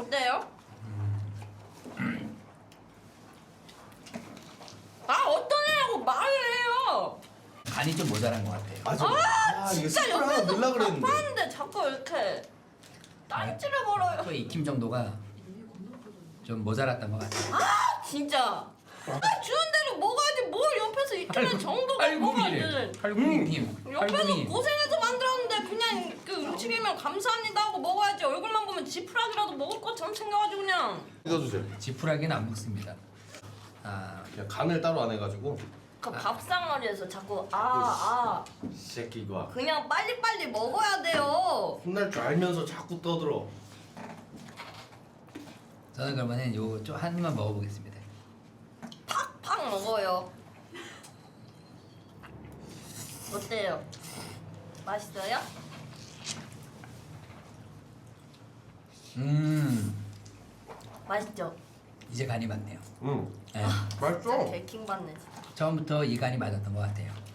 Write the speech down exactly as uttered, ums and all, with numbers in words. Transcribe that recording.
어때요? 아 어떤 애라고 말을 해요. 간이 좀 모자란 것 같아요. 맞아. 아, 이거 진짜 스프를 하나 옆에서 넣으려고 그랬는데. 하는데 자꾸 이렇게 딴지를 걸어요. 또 익힘 정도가 좀 모자랐던 것 같아요. 아 진짜. 아 주는 대로 먹어야지 뭘 옆에서 익히는 정도가 뭐가 팔굽이래. 있는. 팔굽이님. 옆에서 팔굽이. 고생해서 만들었는데 그냥 그 음식이면 감사합니다 하고 먹어야지. 얼굴만 보면 지푸라기라도 먹을 것처럼 챙겨가지고 그냥. 믿어주세요. 지푸라기는 안 먹습니다. 아, 그냥 간을 따로 안 해가지고. 그 밥상머리에서 자꾸 아 아 이 새끼 이거 그냥 빨리빨리 먹어야 돼요. 혼날 줄 알면서 자꾸 떠들어. 저는 그러면은 요 좀 한 입만 먹어보겠습니다. 팍팍 먹어요. 어때요? 맛있어요? 음, 맛있죠? 이제 간이 맞네요. 응. 네. 진짜 맛있어. 개킹 받네 진짜. 처음부터 이 간이 맞았던 것 같아요.